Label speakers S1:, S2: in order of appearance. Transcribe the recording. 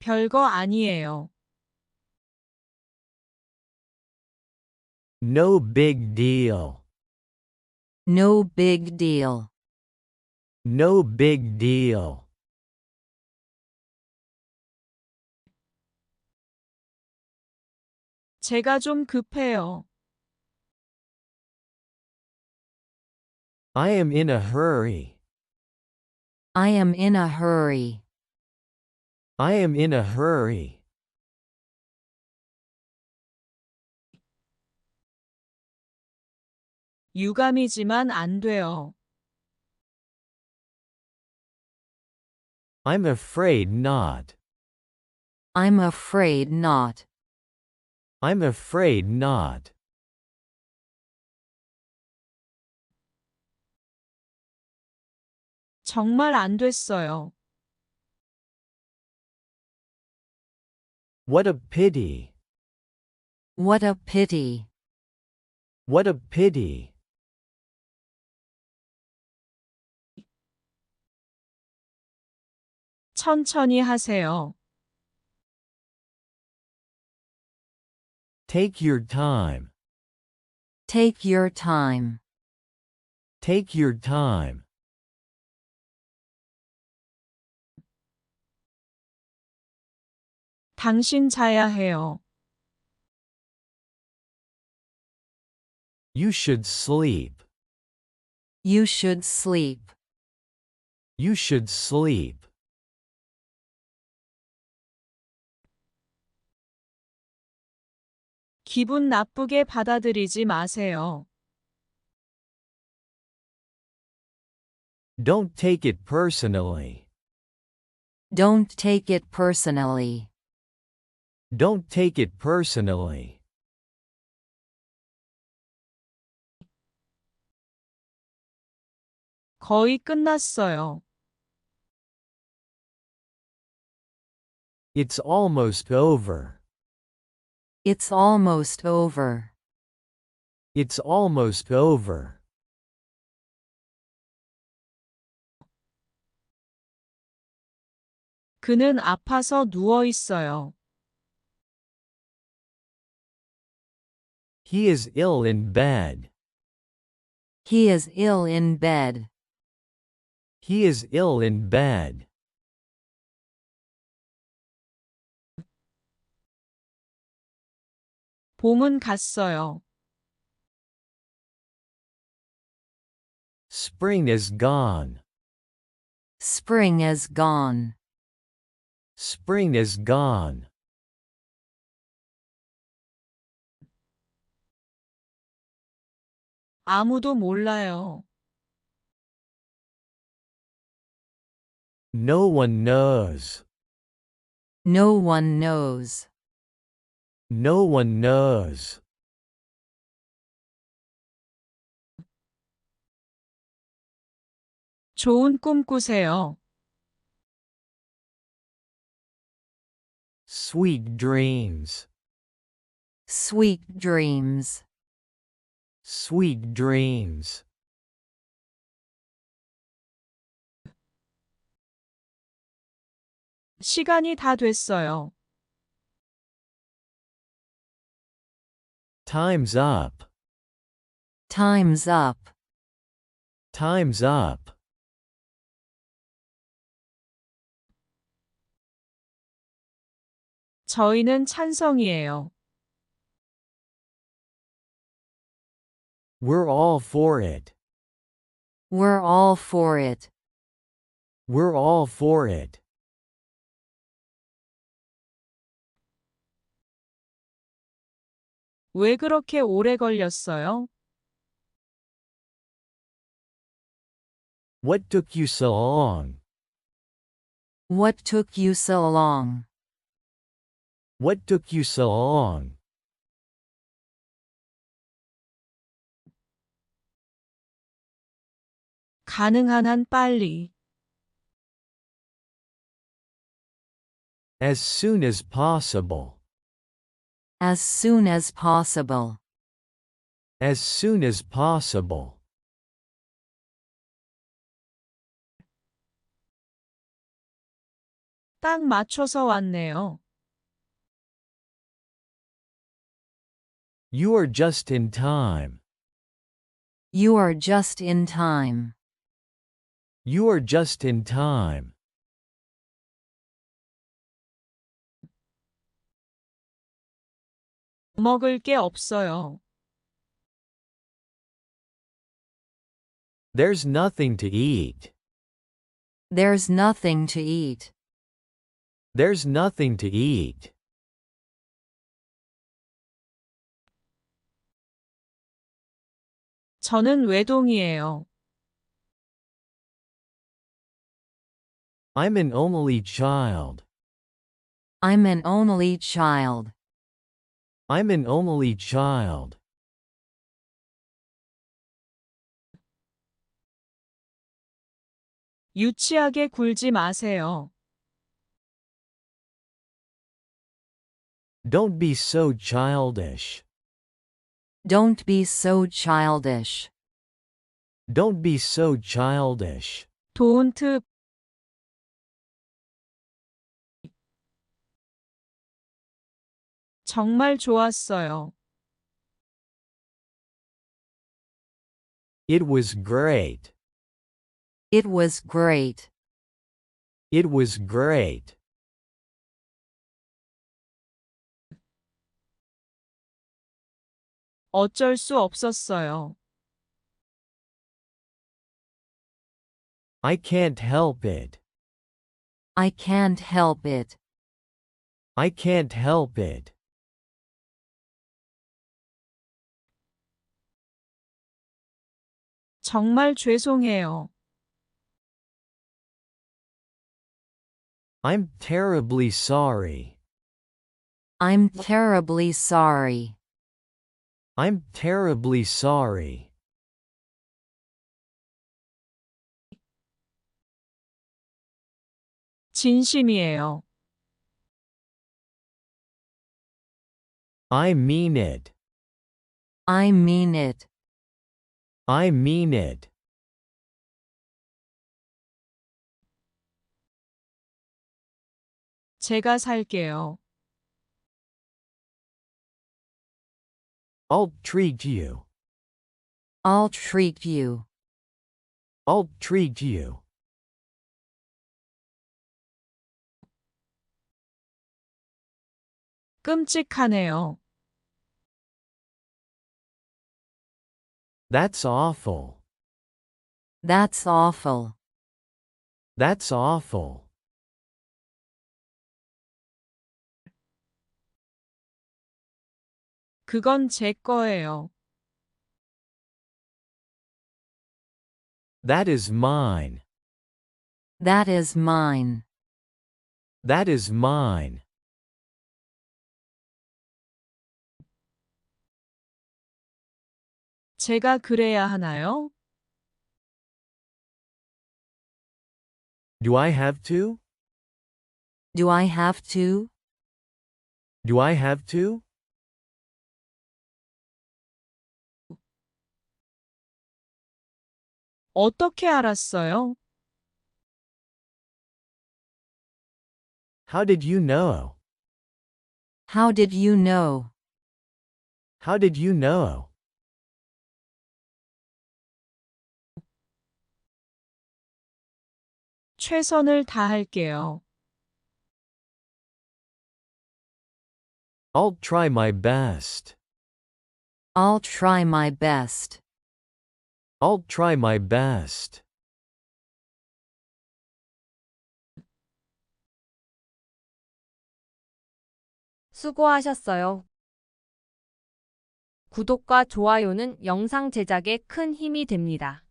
S1: 별거 아니에요.
S2: No big deal.
S3: No big deal.
S2: No big deal.
S1: 제가 좀 급해요.
S2: I am in a hurry.
S3: I am in a hurry.
S2: I am in a hurry.
S1: 유감이지만 안 돼요.
S2: I'm afraid not.
S3: I'm afraid not.
S2: I'm afraid not.
S1: 정말 안 됐어요.
S2: What a pity.
S3: What a pity.
S2: What a pity.
S1: 천천히 하세요.
S2: Take your time.
S3: Take your time.
S2: Take your time.
S1: 당신 자야 해요.
S2: You should sleep.
S3: You should sleep.
S2: You should sleep.
S1: 기분 나쁘게 받아들이지 마세요.
S2: Don't take it personally.
S3: Don't take it personally.
S2: Don't take it personally.
S1: 거의 끝났어요.
S2: It's almost over.
S3: It's almost over.
S2: It's almost over.
S1: 그는 아파서 누워 있어요.
S2: He is ill in bed.
S3: He is ill in bed.
S2: He is ill in bed.
S1: 봄은 갔어요.
S2: Spring is gone.
S3: Spring is gone.
S2: Spring is gone.
S1: 아무도 몰라요.
S2: No one knows.
S3: No one knows.
S2: No one knows.
S1: 좋은 꿈 꾸세요.
S2: Sweet dreams.
S3: Sweet dreams.
S2: Sweet dreams.
S1: 시간이 다 됐어요.
S2: Time's up.
S3: Time's up.
S2: Time's up.
S1: 저희는 찬성이에요.
S2: We're all for it.
S3: We're all for it.
S2: We're all for it.
S1: 왜 그렇게 오래 걸렸어요?
S2: What took you so long?
S3: What took you so long?
S2: What took you so long?
S1: 가능한 한 빨리.
S2: As soon as possible.
S3: As soon as possible.
S2: As soon as possible.
S1: 딱 맞춰서 왔네요.
S2: You are just in time.
S3: You are just in time.
S2: You are just in time.
S1: 먹을 게 없어요.
S2: There's nothing to eat.
S3: There's nothing to eat.
S2: There's nothing to eat.
S1: 저는 외동이에요.
S2: I'm an only child.
S3: I'm an only child.
S2: I'm an only child.
S1: 유치하게 굴지 마세요.
S2: Don't be so childish.
S3: Don't be so childish.
S2: Don't be so childish.
S1: Don't. 정말 좋았어요.
S2: It was great.
S3: It was great.
S2: It was great.
S1: 어쩔 수 없었어요.
S2: I can't help it.
S3: I can't help it.
S2: I can't help it.
S1: 정말 죄송해요.
S2: I'm terribly sorry.
S3: I'm terribly sorry.
S2: I'm terribly sorry.
S1: 진심이에요.
S2: I mean it.
S3: I mean it.
S2: I mean it.
S1: 제가 살게요.
S2: I'll treat you.
S3: I'll treat you.
S2: I'll treat you.
S1: 끔찍하네요.
S2: That's awful.
S3: That's awful.
S2: That's awful.
S1: 그건 제 거예요.
S2: That is mine.
S3: That is mine.
S2: That is mine.
S1: 제가 그래야 하나요?
S2: Do I have to?
S3: Do I have to?
S2: Do I have to?
S1: 어떻게 알았어요?
S2: How did you know?
S3: How did you know?
S2: How did you know?
S1: 최선을 다할게요.
S2: I'll try my best.
S3: I'll try my best.
S2: I'll try my best.
S4: 수고하셨어요. 구독과 좋아요는 영상 제작에 큰 힘이 됩니다.